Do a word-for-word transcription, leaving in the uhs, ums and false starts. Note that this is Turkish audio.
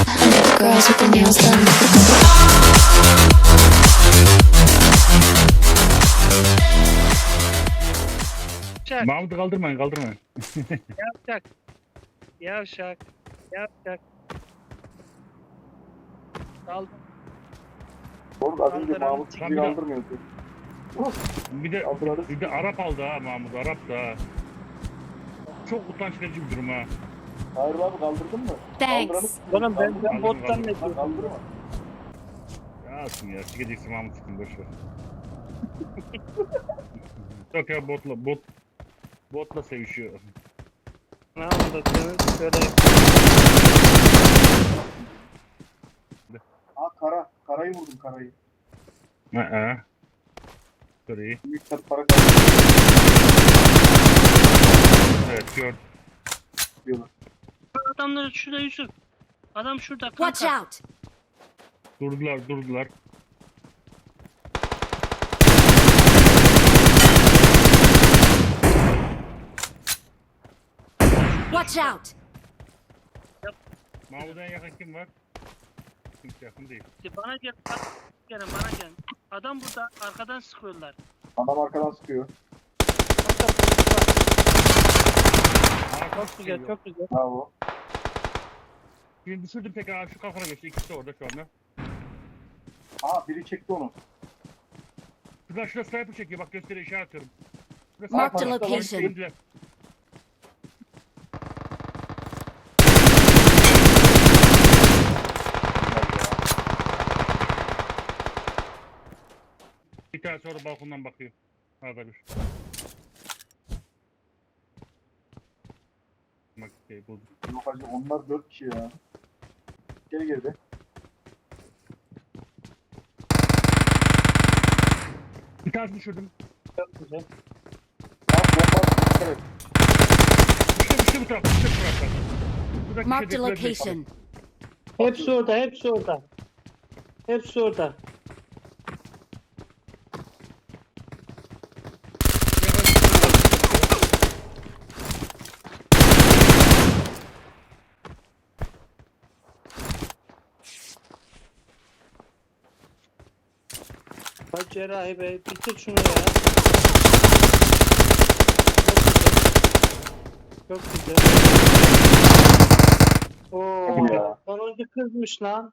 Girls with their nails done. Yavşak, Mahmut'u kaldırmayın kaldırmayın. yavşak. Yavşak, yavşak. Kaldım. Oğlum az önce Kaldıran Mahmut çıkıyor. bizi kaldırmıyordu. Bir de Kaldırırız. bir de Arap aldı ha Mahmut Arap da. Çok utanç verici bir durum ha. Hayır abi kaldırdın mı? Thanks. Oğlum ben, ben Kaldım, bottan kaldım. ne Lan diyorum? kaldırma. Ya aslında ya sikeceksin Mahmut sıkın boşver. Yok ya botla bot botla sevişiyor. Ne anlatıyorsunuz? Şöyle Aa kara. Karayı vurdum karayı. Ha ha. Sorry. Büyük tat para kaldı Evet gördüm. diyorlar. adamlar şurada Yusuf. Adam şurada Watch kanka. out! Durdular durdular. Watch out! Mahmut'a en yakın kim var? Kimse yakın değil. Bana gel. Bak, gelin bana gel. Adam burada arkadan sıkıyorlar. Adam arkadan sıkıyor. Kanka, bak, Aa, çok güzel, çok güzel. Bravo. Şimdi düşürdüm tekrar şu kafana geçti. İkisi de orada şu anda. Aa biri çekti onu. Şurada şurada sniper çekiyor bak gösteriyor işaret atıyorum. Şurada Marked a sniper var. location. İndiler. Bir tanesi orada balkondan bakıyor. Arada bir. Bak şey buldum. Yok hacı onlar dört kişi ya. Geri geride. Bir tanesi düşürdüm. Çok güzel. Aa bomba attı. Evet. Düştü düştü bu taraf. Düştü bu taraftan. Buradaki şey Marked a şeydekiler değil. location. Hepsi orada, hepsi orada. Hepsi orada. Bak Cerrahi Bey, bitir şunu ya. Çok güzel. Çok güzel. Oo, Ya. sonuncu kızmış lan.